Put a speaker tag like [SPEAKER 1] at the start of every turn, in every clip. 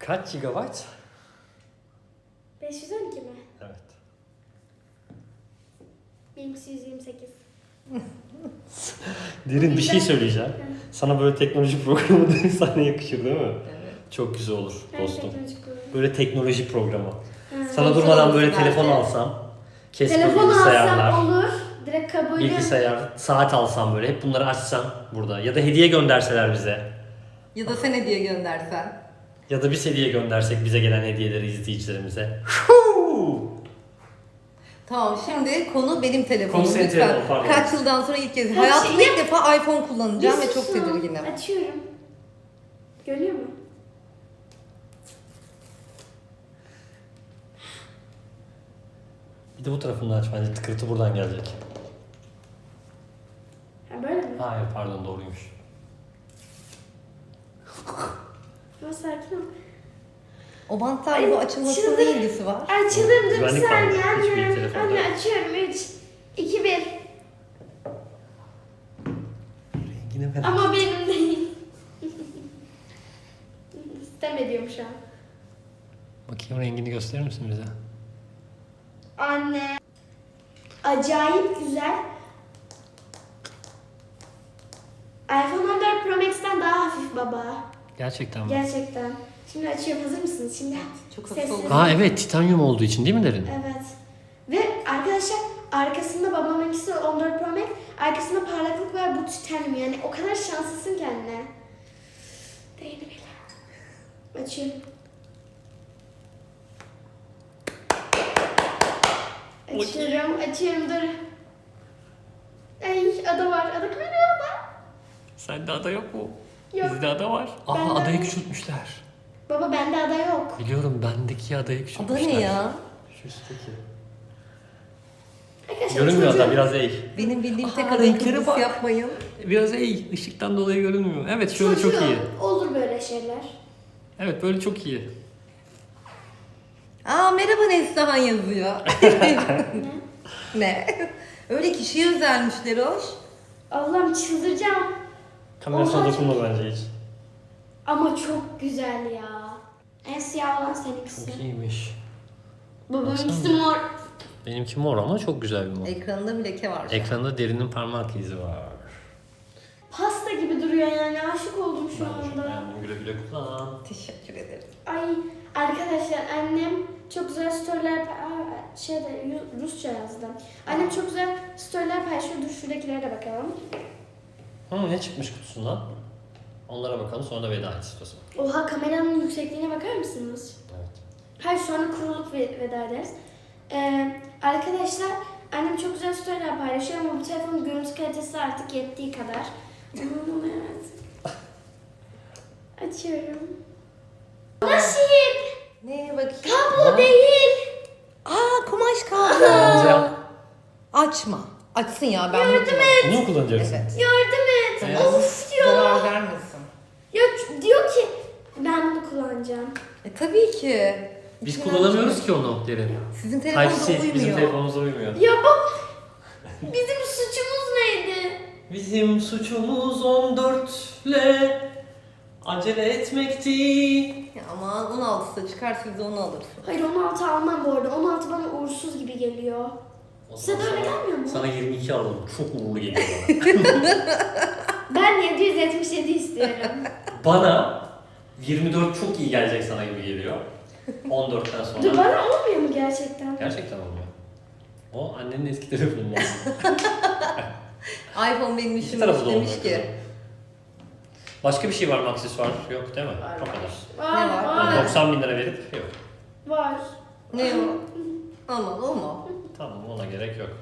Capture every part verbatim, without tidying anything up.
[SPEAKER 1] Kaç gigabayt?
[SPEAKER 2] beş yüz on iki mi?
[SPEAKER 1] Evet.
[SPEAKER 2] benimkisi yüz yirmi sekiz.
[SPEAKER 1] Derin bir şey söyleyeceğim. Sana böyle teknoloji programı sana yakışır değil mi? Evet. Çok güzel olur dostum. Böyle teknoloji programı. Ha. Sana durmadan böyle telefon alsam, Casper
[SPEAKER 2] telefon
[SPEAKER 1] bilgisayarlar,
[SPEAKER 2] alsam olur. Direkt kabul
[SPEAKER 1] bilgisayar, saat alsam böyle hep bunları açsam burada. Ya da hediye gönderseler bize.
[SPEAKER 3] Ya da sen hediye göndersen.
[SPEAKER 1] Ya da biz hediye göndersek bize gelen hediyeleri izleyicilerimize.
[SPEAKER 3] Tamam, şimdi konu benim telefonum.
[SPEAKER 1] Konu senin
[SPEAKER 3] lütfen.
[SPEAKER 1] telefonun, pardon.
[SPEAKER 3] Kaç yıldan sonra ilk kez.
[SPEAKER 2] Kaç
[SPEAKER 3] Hayatımda
[SPEAKER 2] yıl-
[SPEAKER 3] ilk defa iPhone kullanacağım
[SPEAKER 2] Bir
[SPEAKER 3] ve çok
[SPEAKER 2] susun.
[SPEAKER 3] tedirginim.
[SPEAKER 2] Açıyorum. Görüyor mu?
[SPEAKER 1] Bir de bu tarafını aç bence tıkırtı buradan gelecek.
[SPEAKER 2] Ha böyle mi?
[SPEAKER 1] Hayır pardon doğruymuş.
[SPEAKER 2] Ama sakin ol.
[SPEAKER 3] O bantlar
[SPEAKER 2] Ay,
[SPEAKER 3] bu açılmasının
[SPEAKER 2] çıldır.
[SPEAKER 3] ne ilgisi var?
[SPEAKER 2] Açıldım dur bir
[SPEAKER 1] Güvenlik
[SPEAKER 2] saniye
[SPEAKER 1] var, hiçbir
[SPEAKER 2] anne.
[SPEAKER 1] telefonda
[SPEAKER 2] Anne
[SPEAKER 1] yok.
[SPEAKER 2] açıyorum. üç, iki, bir.
[SPEAKER 1] Rengine merak.
[SPEAKER 2] Ama benim değil. Sistem ediyorum şu an.
[SPEAKER 1] Bakayım rengini gösterir misin bize?
[SPEAKER 2] Anne. Acayip güzel. iPhone on dört Pro Max'ten daha hafif baba.
[SPEAKER 1] Gerçekten mi?
[SPEAKER 2] Gerçekten. Şimdi açıyorum. Hazır mısınız? Şimdi
[SPEAKER 3] Çok
[SPEAKER 2] sessiz.
[SPEAKER 3] hafif oldu.
[SPEAKER 1] Ha evet titanyum olduğu için değil mi derin?
[SPEAKER 2] Evet. Ve arkadaşlar arkasında babamınkisi on dört Pro Max, arkasında parlaklık var, bu titanyum, yani o kadar şanslısın ki anne. Değdi bile. Açıyorum. Açıyorum, açıyorum dur. Ay ada var, ada kayıyor ada.
[SPEAKER 1] Sende ada yok mu?
[SPEAKER 2] Yok.
[SPEAKER 1] Bizde ada var. Aa
[SPEAKER 2] Bende
[SPEAKER 1] adayı
[SPEAKER 2] ada-
[SPEAKER 1] küçültmüşler.
[SPEAKER 2] Baba bende ada yok.
[SPEAKER 1] Biliyorum bendeki adayı
[SPEAKER 3] Ada
[SPEAKER 1] küçültmüşler.
[SPEAKER 3] ne ya?
[SPEAKER 1] Şu üstteki.
[SPEAKER 2] Arkadaşlar
[SPEAKER 1] Görünmüyor
[SPEAKER 2] çocuğum-
[SPEAKER 1] ada biraz eğ.
[SPEAKER 3] Benim bildiğim
[SPEAKER 1] Aa,
[SPEAKER 3] tek ada
[SPEAKER 1] renklere
[SPEAKER 3] kıbrıs
[SPEAKER 1] bak.
[SPEAKER 3] yapmayın.
[SPEAKER 1] Biraz eğ. Işıktan dolayı görünmüyor. Evet şöyle çok
[SPEAKER 2] Çocuğum,
[SPEAKER 1] iyi.
[SPEAKER 2] Olur böyle şeyler.
[SPEAKER 1] Evet böyle çok iyi.
[SPEAKER 3] Aa merhaba Neslihan yazıyor.
[SPEAKER 2] Ne?
[SPEAKER 3] Ne? Öyle kişiye özelmişler hoş.
[SPEAKER 2] Allah'ım çıldıracağım.
[SPEAKER 1] Kamerasına
[SPEAKER 2] Oha,
[SPEAKER 1] dokunma bence hiç.
[SPEAKER 2] Ama çok güzel ya. En siyah olan seninkisi.
[SPEAKER 1] Çok iyiymiş.
[SPEAKER 2] Babamınkisi
[SPEAKER 1] Baksana.
[SPEAKER 2] mor.
[SPEAKER 1] Benimki mor ama çok güzel bir mor.
[SPEAKER 3] Ekranında bir leke var. şu an.
[SPEAKER 1] Ekranda derinin parmak izi var.
[SPEAKER 2] Pasta gibi duruyor yani. Aşık oldum şu
[SPEAKER 1] Ben de çok
[SPEAKER 2] anda.
[SPEAKER 1] beğendim. Güle güle kullan.
[SPEAKER 3] Teşekkür ederim.
[SPEAKER 2] Ay arkadaşlar annem çok güzel storyler Aa, şeyde Yu- Rusça yazdı. Annem çok güzel storyler paylaşıyor. Dur şuradakilere de bakalım.
[SPEAKER 1] Hı, ne çıkmış kutusundan? Onlara bakalım sonra da veda et istiyorsan.
[SPEAKER 2] Oha kameranın yüksekliğine bakar mısınız?
[SPEAKER 1] Evet.
[SPEAKER 2] Hayır sonra kurulup ve- veda ederiz. Ee, arkadaşlar annem çok güzel storyler paylaşıyor ama bu telefonun görüntü kalitesi artık yettiği kadar. Aman evet. Açıyorum. Nasip!
[SPEAKER 3] Neye bakayım?
[SPEAKER 2] Kablo değil.
[SPEAKER 3] Aa kumaş kablo.
[SPEAKER 1] Kullanacağım.
[SPEAKER 3] Açma. Açsın ya ben bunu
[SPEAKER 2] Yardım
[SPEAKER 3] kullanırım.
[SPEAKER 1] Bunu mu kullanacaksın?
[SPEAKER 3] Evet.
[SPEAKER 2] Yardım et.
[SPEAKER 1] Evet.
[SPEAKER 2] Of diyor.
[SPEAKER 3] Zarar vermesin.
[SPEAKER 2] Ya diyor ki ben bunu kullanacağım.
[SPEAKER 3] E tabii ki.
[SPEAKER 1] Biz
[SPEAKER 3] İçinden
[SPEAKER 1] kullanamıyoruz
[SPEAKER 3] çıkıyor.
[SPEAKER 1] ki onu derin.
[SPEAKER 3] Sizin telefonunuz
[SPEAKER 1] Type-C
[SPEAKER 3] uymuyor.
[SPEAKER 1] bizim telefonumuza uymuyor.
[SPEAKER 2] Ya bak bizim suçumuz neydi?
[SPEAKER 1] Bizim suçumuz on dörtle acele etmekti.
[SPEAKER 3] Ya aman on altıda çıkar siz de onu alırsınız.
[SPEAKER 2] Hayır on altı almam bu arada. on altı bana uğursuz gibi geliyor. Size de öyle gelmiyor mu?
[SPEAKER 1] Sana yirmi iki alalım. Çok uğurlu geliyor bana.
[SPEAKER 2] Ben yedi yüz yetmiş yedi istiyorum.
[SPEAKER 1] Bana yirmi dört çok iyi gelecek sana gibi geliyor. on dörtten sonra.
[SPEAKER 2] Dur bana olmuyor mu gerçekten?
[SPEAKER 1] Gerçekten olmuyor. O annenin eski telefonu.
[SPEAKER 3] iPhone benim
[SPEAKER 1] İki
[SPEAKER 3] işimi
[SPEAKER 1] tarafı da olmuyor
[SPEAKER 3] demiş
[SPEAKER 1] kızım.
[SPEAKER 3] ki.
[SPEAKER 1] Başka bir şey var mı aksesuar? Yok değil mi?
[SPEAKER 3] Var,
[SPEAKER 1] O kadar.
[SPEAKER 2] Var,
[SPEAKER 3] Ne var?
[SPEAKER 2] var.
[SPEAKER 1] doksan bin lira verip yok.
[SPEAKER 2] Var.
[SPEAKER 3] Ne o? Aman o mu?
[SPEAKER 1] Tamam ona gerek yok.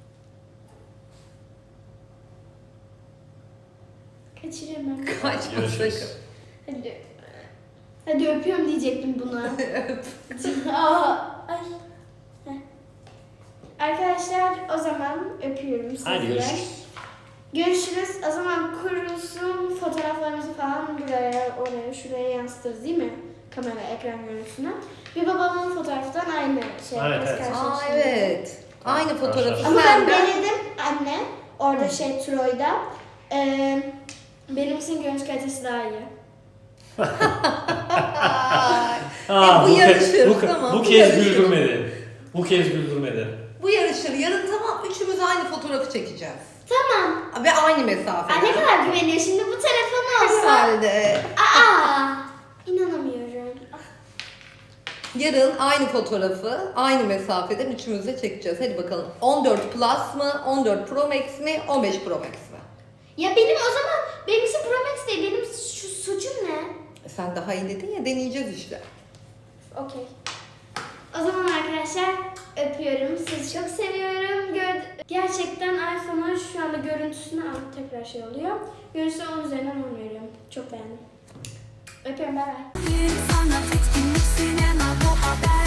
[SPEAKER 2] Kaçırıyorum ben.
[SPEAKER 3] Kaçma
[SPEAKER 1] Görüşürüz.
[SPEAKER 3] sakın.
[SPEAKER 2] Hadi. Hadi öpüyorum diyecektim buna. Aa, ay. Heh. Arkadaşlar o zaman öpüyorum sizi.
[SPEAKER 1] Hadi görüşürüz.
[SPEAKER 2] Görüşürüz. O zaman kurusun fotoğraflarımızı falan buraya, oraya, şuraya yansıtırız değil mi? Kamera, ekran görüntüsüne. Bir babamın fotoğraftan aynı şey.
[SPEAKER 1] Evet,
[SPEAKER 2] yaparız,
[SPEAKER 1] evet.
[SPEAKER 3] Aa
[SPEAKER 2] karşılaştırırız.
[SPEAKER 3] evet. Aynı fotoğrafı
[SPEAKER 2] Ama ben
[SPEAKER 3] senden.
[SPEAKER 2] denedim anne. Orada şey Troy'da. Ee, benimsin görüntü kalitesi daha iyi.
[SPEAKER 1] Aa,
[SPEAKER 3] bu
[SPEAKER 1] bu, ke-
[SPEAKER 3] yarışır,
[SPEAKER 1] bu,
[SPEAKER 3] tamam,
[SPEAKER 1] bu
[SPEAKER 3] bu
[SPEAKER 1] kez
[SPEAKER 3] yarışır.
[SPEAKER 1] güldürmedi. Bu kez güldürmedi.
[SPEAKER 3] Bu yarışır. Yarın tamam üçümüz aynı fotoğrafı çekeceğiz.
[SPEAKER 2] Tamam.
[SPEAKER 3] Ve aynı mesafe.
[SPEAKER 2] Ay ne kadar güveniyor şimdi bu telefonu olsa.
[SPEAKER 3] Herhalde.
[SPEAKER 2] Aa, inanamıyorum.
[SPEAKER 3] Yarın aynı fotoğrafı aynı mesafeden üçümüz de çekeceğiz. Hadi bakalım. on dört Plus mı? on dört Pro Max mi? on beş Pro Max mi?
[SPEAKER 2] Ya benim o zaman benimkisi Pro Max değil. Benim şu suçum ne?
[SPEAKER 3] E sen daha iyi dedin ya, deneyeceğiz işte.
[SPEAKER 2] Okey. O zaman arkadaşlar öpüyorum. Sizi çok seviyorum. Gör Gerçekten iPhone'un şu anda görüntüsüne al tekrar şey oluyor. Görüntüsüne on üzerinden on veriyorum. Çok beğendim. Öpüyorum, bay bay.
[SPEAKER 4] Sanat etkinlik sinema bu haber